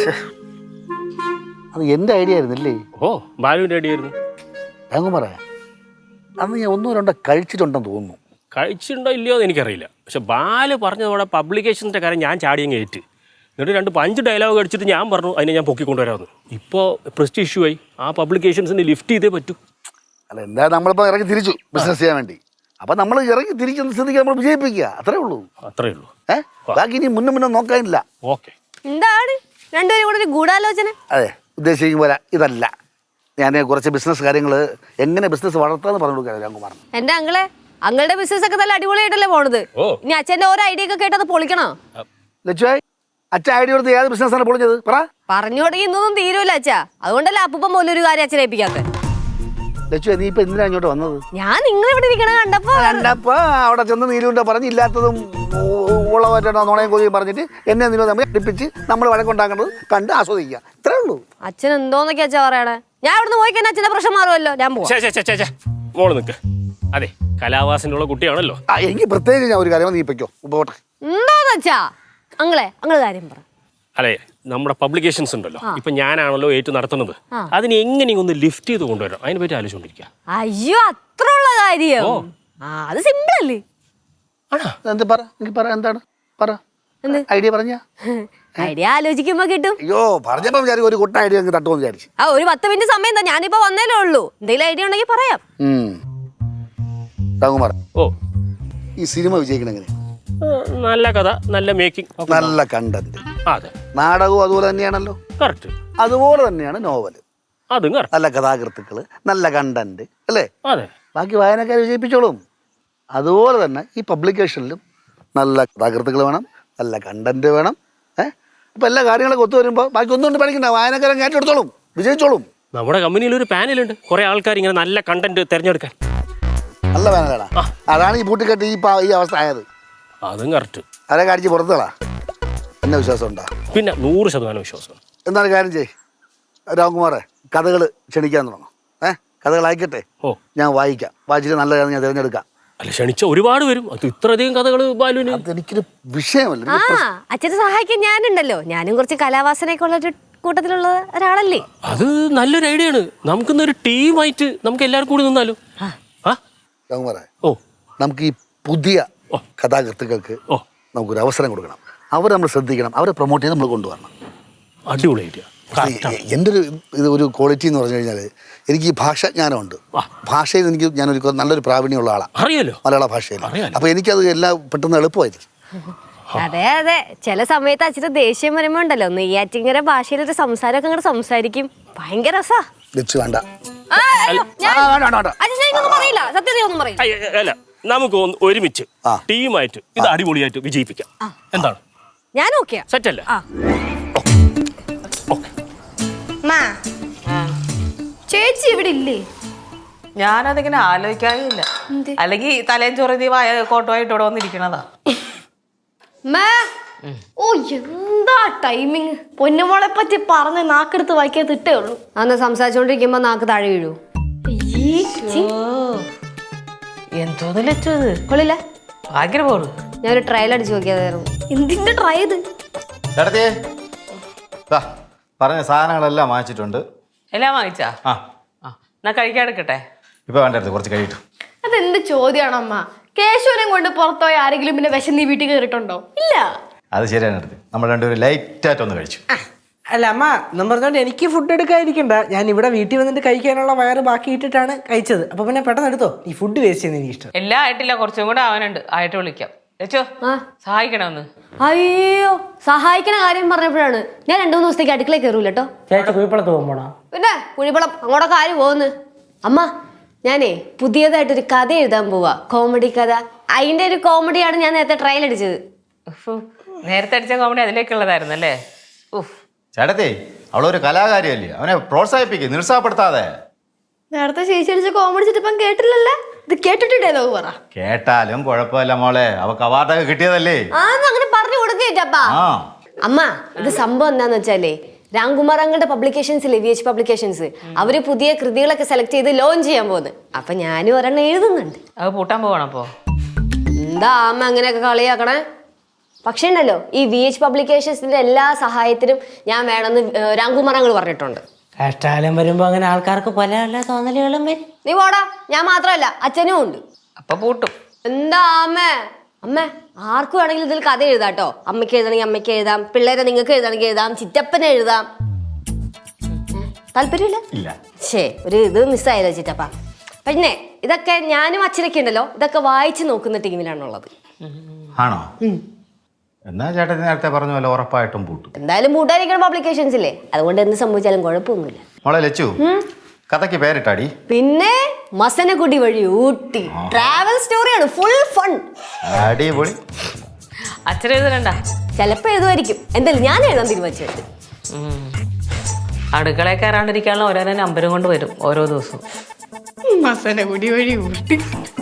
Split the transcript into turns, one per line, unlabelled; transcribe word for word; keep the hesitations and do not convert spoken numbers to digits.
അത് എൻ്റെ ഐഡിയ ആയിരുന്നില്ലേ?
ഓ ബാലുവിൻ്റെ ഐഡിയ ആയിരുന്നു.
അങ്ങ് പറയാം, അന്ന് ഞാൻ ഒന്നോ രണ്ടോ കഴിച്ചിട്ടുണ്ടെന്ന് തോന്നുന്നു.
കഴിച്ചിട്ടുണ്ടോ ഇല്ലയോ എന്ന് എനിക്കറിയില്ല. പക്ഷെ ബാല് പറഞ്ഞതോടെ പബ്ലിക്കേഷൻ്റെ കാര്യം ഞാൻ ചാടിയങ്ങ് ഏറ്റ്. എന്നിട്ട് രണ്ട് പഞ്ച് ഡയലോഗ് അടിച്ചിട്ട് ഞാൻ പറഞ്ഞു അതിനെ ഞാൻ പൊക്കിക്കൊണ്ടുവരാമെന്ന്. ഇപ്പോൾ പ്രസ്റ്റ് ഇഷ്യൂ ആയി. ആ പബ്ലിക്കേഷൻസിന് ലിഫ്റ്റ് ചെയ്തേ പറ്റൂ.
അല്ല, എന്തായാലും നമ്മളിപ്പോൾ ഇറങ്ങി തിരിച്ചു ബിസിനസ് ചെയ്യാൻ വേണ്ടി. അപ്പം നമ്മൾ ഇറങ്ങി തിരിക്കുന്ന സ്ഥിതിക്ക് നമ്മൾ വിജയിപ്പിക്കുക, അത്രേ ഉള്ളൂ.
അത്രേ ഉള്ളൂ.
ഏഹ് ബാക്കി ഇനി മുന്നും മുന്നും നോക്കാനില്ല.
ഓക്കെ.
എന്താണ് രണ്ടുപേരും കൂടെ ഒരു ഗൂഢാലോചന?
അതെ, ഉദ്ദേശിക്കും പോലെ ഇതല്ല. ഞാൻ കുറച്ച് ബിസിനസ് കാര്യങ്ങൾ എങ്ങനെ ബിസിനസ് വളർത്താന്ന് പറഞ്ഞു കൊടുക്കാൻ രാംകുമാർ.
എന്റെ അങ്ങളെ അങ്ങളുടെ ബിസിനസ് ഒക്കെ നല്ല അടിപൊളിയായിട്ടല്ലേ പോണത്. ഇനി അച്ഛന്റെ ഓരോ ഐഡിയ ഒക്കെ കേട്ടത് പൊളിക്കണോ?
ലച്ചുവായി, അച്ഛൻ ഐഡിയ കൊടുത്ത് ഏത് ബിസിനസ്സാണ് പൊളിഞ്ഞത്? പറ.
പറഞ്ഞു തുടങ്ങി ഇന്നൊന്നും തീരുമല്ല അച്ഛാ. അതുകൊണ്ടല്ലേ അപ്പൂപ്പം പോലും ഒരു കാര്യം അച്ഛനെ ഏൽപ്പിക്കാത്ത.
ലച്ചു, നീ ഇപ്പൊ എന്തിനാ ഇങ്ങോട്ട് വന്നത്?
ഞാൻ നിങ്ങൾ ഇവിടെ ഇരിക്കണ കണ്ടപ്പോ
കണ്ടപ്പോ അവിടെ ചെന്ന് നീലുണ്ട പറഞ്ഞ് ഇല്ലാത്തതും ഉള്ളവറ്റോ നുണയും കൊതിയും പറഞ്ഞിട്ട് എന്നെ നീലോ തമ്മിൽ അടുപ്പിച്ച് നമ്മൾ വഴക്കുണ്ടാക്കേണ്ടത് കണ്ട് ആസ്വദിക്കുക, ഇത്രേ ഉള്ളൂ.
അച്ഛൻ എന്തോന്നൊക്കെ അച്ഛാ പറയണേ? ഞാൻ ഇവിടുന്ന് പോയി കഴിഞ്ഞാൽ അച്ഛന്റെ പ്രശ്നം മാറുമല്ലോ. ഞാൻ പോവാം.
മോള് നിൽക്ക്. അതെ, കലാവാസനുള്ള കുട്ടിയാണല്ലോ.
ആ, എനിക്ക് പ്രത്യേകിച്ച് ഞാൻ ഒരു കാര്യം നീപ്പിക്കോ പോട്ടെ.
എന്തോന്ന് അച്ഛാ? അങ്ങളെ അങ്ങള് കാര്യം പറ.
അതെ, നമ്മുടെ പബ്ലിക്കേഷൻസ് ഉണ്ടല്ലോ, ഇപ്പൊ ഞാനാണല്ലോ ഏറ്റു നടത്തുന്നത്. അതിന് എങ്ങനെയും ഒന്ന് ലിഫ്റ്റ് ചെയ്ത് കൊണ്ടുവരാം, അതിനെ പറ്റി ആലോചിച്ചോണ്ടിരിക്കുക.
അയ്യോ, അത്ര ഉള്ള കാര്യം? ആ, അത് സിമ്പിൾ അല്ലേ?
എന്ത് പറ, എനിക്ക് പറ, എന്താണ് പറ, ഐഡിയ പറഞ്ഞ
ഐഡിയ ആലോചിക്കുമ്പോ കിട്ടും.
അയ്യോ, പറഞ്ഞപ്പോ വിചാരിക്കും ഒരു കുട്ട ഐഡിയ തട്ടുമെന്ന് വിചാരിച്ചു.
ആ, ഒരു പത്ത് മിനിറ്റ് സമയം എന്താ? ഞാനിപ്പോ വന്നേലേ ഉള്ളൂ. എന്തെങ്കിലും ഐഡിയ ഉണ്ടെങ്കിൽ പറയാം.
രാംകുമാർ,
ഓ,
ഈ സിനിമ വിജയിക്കണെങ്ങനെ?
നല്ല കഥ, നല്ല മേക്കിംഗ്,
നല്ല കണ്ടന്റ്.
അതെ,
നാടകവും അതുപോലെ തന്നെയാണല്ലോ.
കറക്റ്റ്.
അതുപോലെ തന്നെയാണ് നോവല്.
അതും
നല്ല കഥാകൃത്തുക്കള്, നല്ല കണ്ടന്റ് അല്ലേ?
അതെ.
ബാക്കി വായനക്കാരെ വിജയിപ്പിച്ചോളും. അതുപോലെ തന്നെ ഈ പബ്ലിക്കേഷനിലും നല്ല കഥാകൃത്തുക്കൾ വേണം, നല്ല കണ്ടന്റ് വേണം. ഏഹ് അപ്പൊ എല്ലാ കാര്യങ്ങളൊക്കെ ഒത്തു വരുമ്പോൾ ബാക്കി ഒന്നും കൊണ്ട് പഠിക്കണ്ട, വായനക്കാരൻ ഏറ്റെടുത്തോളും, വിജയിച്ചോളും.
നമ്മുടെ കമ്പനിയിൽ ഒരു പാനലുണ്ട്, കുറെ ആൾക്കാർ ഇങ്ങനെ നല്ല കണ്ടന്റ് തിരഞ്ഞെടുക്കാൻ.
നല്ല പാനലാണ്. അതാണ് ഈ പൂട്ടിക്കെട്ട് ഈ ഈ അവസ്ഥ ആയത്.
അതും കറക്റ്റ്.
അതൊക്കെ അടിച്ച് പുറത്തുകളാ. എന്നെ വിശ്വാസം ഉണ്ടാ?
പിന്നെ നൂറ് ശതമാനം വിശ്വാസം.
എന്താണ് കാര്യം ചെയ് രാംകുമാറെ, കഥകൾ ക്ഷണിക്കാൻ തുടങ്ങും. ഏഹ് കഥകൾ അയക്കട്ടെ, ഓ ഞാൻ വായിക്കാം. വായിച്ചിട്ട് നല്ല കഥ ഞാൻ തിരഞ്ഞെടുക്കാം.
അല്ല, ക്ഷണിച്ച ഒരുപാട് വരും. അത് ഇത്രയധികം കഥകൾ ബാലുവിന്
എനിക്കൊരു വിഷയമല്ല.
ആ, അച്ഛനെ സഹായിക്കാൻ ഞാനുണ്ടല്ലോ. ഞാനും കുറച്ച് കലാവാസനയൊക്കെ ഉള്ള ഒരു കൂട്ടത്തിലുള്ള ഒരാളല്ലേ.
അത് നല്ലൊരു ഐഡിയ ആണ്. നമുക്കിന്നൊരു ടീമായിട്ട് നമുക്ക് എല്ലാവരും കൂടി നിന്നാലോ?
രാംകുമാറെ,
ഓ
നമുക്ക് ഈ പുതിയ കഥാകൃത്തുക്കൾക്ക് നമുക്കൊരു അവസരം കൊടുക്കണം. അവരെ നമ്മൾ ശ്രദ്ധിക്കണം, അവരെ പ്രൊമോട്ട് ചെയ്ത് നമ്മൾ കൊണ്ടുവരണം.
അടിപൊളി ഐഡിയ.
എൻ്റെ ഒരു ഇത് ഒരു ക്വാളിറ്റി എന്ന് പറഞ്ഞു കഴിഞ്ഞാൽ എനിക്ക് ഈ ഭാഷാജ്ഞാനമുണ്ട്. ഭാഷയിൽ എനിക്ക് ഞാനൊരു നല്ലൊരു പ്രാവീണ്യമുള്ള ആളാണ്, അറിയാലോ, മലയാള ഭാഷയിൽ. അപ്പോൾ എനിക്കത് എല്ലാം പെട്ടെന്ന് എളുപ്പമായത്.
അതെ അതെ, ചില സമയത്ത് അച്ഛൻ്റെ ദേഷ്യം വരുമ്പോൾ ഉണ്ടല്ലോ, നെയ്യാറ്റിങ്കര ഭാഷയിലൊരു സംസാരമൊക്കെ അങ്ങോട്ട് സംസാരിക്കും. ഭയങ്കര രസാ.
വേണ്ട,
അല്ല, നമുക്ക് ഒരുമിച്ച് ടീമായിട്ട് ഇത് അടിപൊളിയായിട്ട് വിജയിപ്പിക്കാം. എന്താണ്?
ഞാൻ ഓക്കെ.
സെറ്റ് അല്ലേ?
ചേച്ചി ഇവിടെ ഇല്ലേ?
ഞാനതിങ്ങനെ ആലോചിക്കാറില്ല. അല്ലെങ്കിൽ തലേം ചൊറുതി വായ കോട്ടുമായിട്ട് ഇവിടെ വന്നിരിക്കണതാ.
ഓ, എന്താ ടൈമിങ്! പൊന്നുമോളെ പറ്റി പറഞ്ഞ് നാക്കെടുത്ത് വായിക്കാൻ തിട്ടേ ഉള്ളൂ.
അന്ന് സംസാരിച്ചോണ്ടിരിക്കുമ്പോ നാക്ക് താഴെ വീഴൂ.
എന്തോന്ന് ലച്ചത്
കൊള്ളില്ല.
ഭയങ്കര പോള്.
ഞാനൊരു ട്രയൽ അടിച്ചു നോക്കിയതായിരുന്നു.
എന്തിന്റെ ട്രൈ ഇത്?
ചേട്ടത്തിയേ, പറഞ്ഞ സാധനങ്ങളെല്ലാം വാങ്ങിച്ചിട്ടുണ്ട്.
എല്ലാം വാങ്ങിച്ചാ? ആ, എന്നാ കഴിക്കാൻ എടുക്കട്ടെ.
ഇപ്പൊ വേണ്ടത് കുറച്ച് കഴിയിട്ടു.
അതെന്ത് ചോദ്യമാണ് അമ്മ? കേശവനെ കൊണ്ട് പുറത്തുപോയ ആരെങ്കിലും പിന്നെ വിശന്ന് വീട്ടിൽ കയറിയിട്ടുണ്ടോ? ഇല്ല.
അത് ശരിയാണ് എടുത്ത്. നമ്മൾ രണ്ടുപേരും ലൈറ്റായിട്ട് ഒന്ന് കഴിച്ചു.
അല്ല അമ്മ, എന്നും പറഞ്ഞോണ്ട് എനിക്ക് ഫുഡ് എടുക്കാതിരിക്കണ്ട. ഞാൻ ഇവിടെ വീട്ടിൽ വന്നിട്ട് കഴിക്കാനുള്ള വയറ് ബാക്കി ഇട്ടിട്ടാണ് കഴിച്ചത്. അപ്പൊ പിന്നെ പെട്ടെന്ന് എടുത്തോ. ഈ ഫുഡ് വേസ്റ്റ് ചെയ്യുന്ന എനിക്ക് ഇഷ്ടം.
എല്ലാം ആയിട്ടില്ല, കുറച്ചും കൂടെ ആവാനുണ്ട്. ആയിട്ട് വിളിക്കാം. ലച്ചോ, സഹായിക്കണമെന്ന്.
അയ്യോ, സഹായിക്കണ കാര്യം പറഞ്ഞപ്പോഴാണ് ഞാൻ രണ്ടു മൂന്ന് ദിവസത്തേക്ക് അടുക്കളയിൽ കയറൂല കേട്ടോ.
ചേച്ചി കുഴിപ്പളത്ത് പോകുമ്പോണോ?
പിന്നെ കുഴിപ്പളം അങ്ങോട്ടൊക്കെ ആര് പോകുന്നു? അമ്മ, ഞാനേ പുതിയതായിട്ടൊരു കഥ എഴുതാൻ പോവാ, കോമഡി കഥ. അതിന്റെ ഒരു കോമഡിയാണ് ഞാൻ നേരത്തെ ട്രയൽ അടിച്ചത്.
നേരത്തെ അടിച്ച കോമഡി അതിലേക്കുള്ളതായിരുന്നു അല്ലേ?
ചേട്ടത്തി, അവളൊരു കലാകാരിയല്ലേ, അവനെ പ്രോത്സാഹിപ്പിക്കുക, നിരുത്സാഹപ്പെടുത്താതെ.
നേരത്തെ ചേച്ചി അടിച്ച കോമഡി ചിട്ടപ്പം കേട്ടില്ലല്ലേ? ഇത് കേട്ടിട്ട് ഡയലോഗ് പറ.
കേട്ടാലും കുഴപ്പമില്ല മോളെ, അവക്ക് അവാർഡൊക്കെ കിട്ടിയതല്ലേ.
അങ്ങനെ പറഞ്ഞു കൊടുക്കേറ്റപ്പാ. അമ്മ, ഇത് സംഭവം എന്താന്ന് വെച്ചാലേ, രാംകുമാർ അങ്ങളുടെ പബ്ലിക്കേഷൻസില്ലേ, വി എച്ച് പബ്ലിക്കേഷൻസ്, അവര് പുതിയ കൃതികളൊക്കെ സെലക്ട് ചെയ്ത് ലോഞ്ച് ചെയ്യാൻ പോകുന്നത്. അപ്പൊ ഞാനും ഒരെണ്ണം എഴുതുന്നുണ്ട്.
അത് പൂട്ടാൻ പോവാണ്. അപ്പോ
എന്താ അമ്മ അങ്ങനെയൊക്കെ കളിയാക്കണേ? പക്ഷേ ഉണ്ടല്ലോ ഈ വി എച്ച് പബ്ലിക്കേഷൻസിന്റെ എല്ലാ സഹായത്തിനും ഞാൻ വേണമെന്ന് രാംകുമാറങ്ങൾ പറഞ്ഞിട്ടുണ്ട്.
കഷ്ടാലം വരുമ്പോ അങ്ങനെ ആൾക്കാർക്ക് പല പല തോന്നലുകളും വരും.
നീ പോടാ, ഞാൻ മാത്രമല്ല അച്ഛനും ഉണ്ട്.
അപ്പൊ പൂട്ടും.
എന്താ അമ്മേ അമ്മേ ആർക്കും വേണമെങ്കിലും ഇതിൽ കഥ എഴുതാം കേട്ടോ. അമ്മയ്ക്ക് എഴുതണമെങ്കിൽ അമ്മയ്ക്ക് എഴുതാം, പിള്ളേരെ നിങ്ങൾക്ക് എഴുതണമെങ്കിൽ എഴുതാം, ചിറ്റപ്പനെ എഴുതാം. താല്പര്യമില്ല?
ഇല്ല.
ശേ, ഒരു ഇത് മിസ്സായല്ലോ ചിറ്റപ്പ. പിന്നെ ഇതൊക്കെ ഞാനും അച്ഛനൊക്കെ ഉണ്ടല്ലോ, ഇതൊക്കെ വായിച്ചു നോക്കുന്ന ടീമിലാണുള്ളത്.
ആണോ? എന്നാ ചേട്ടൻ നേരത്തെ പറഞ്ഞ പോലെ ഉറപ്പായിട്ടും പൂട്ടും.
എന്തായാലും മൂട്ടായിരിക്കണം പബ്ലിക്കേഷൻസ് ഇല്ലേ, അതുകൊണ്ട് എന്ത് സംഭവിച്ചാലും കുഴപ്പമൊന്നുമില്ല.
മോളെ ലച്ചു, കഥയ്ക്ക് പേരിട്ടാടി?
പിന്നെ മസനഗുഡി വഴി ഊട്ടി ട്രാവൽ സ്റ്റോറിയാണ്, ഫുൾ ഫൺ.
അടിപൊളി.
അച്ഛൻ എഴുതണ്ട?
ചിലപ്പോ എഴുതുമായിരിക്കും. എന്തായാലും ഞാൻ എഴുതാൻ തീരുമാനിച്ചു.
അടുക്കളയിൽ കയറാണ്ടിരിക്കാനുള്ള ഓരോരോ നമ്പരും കൊണ്ട് വരും ഓരോ ദിവസവും.
മസനഗുഡി വഴി ഊട്ടി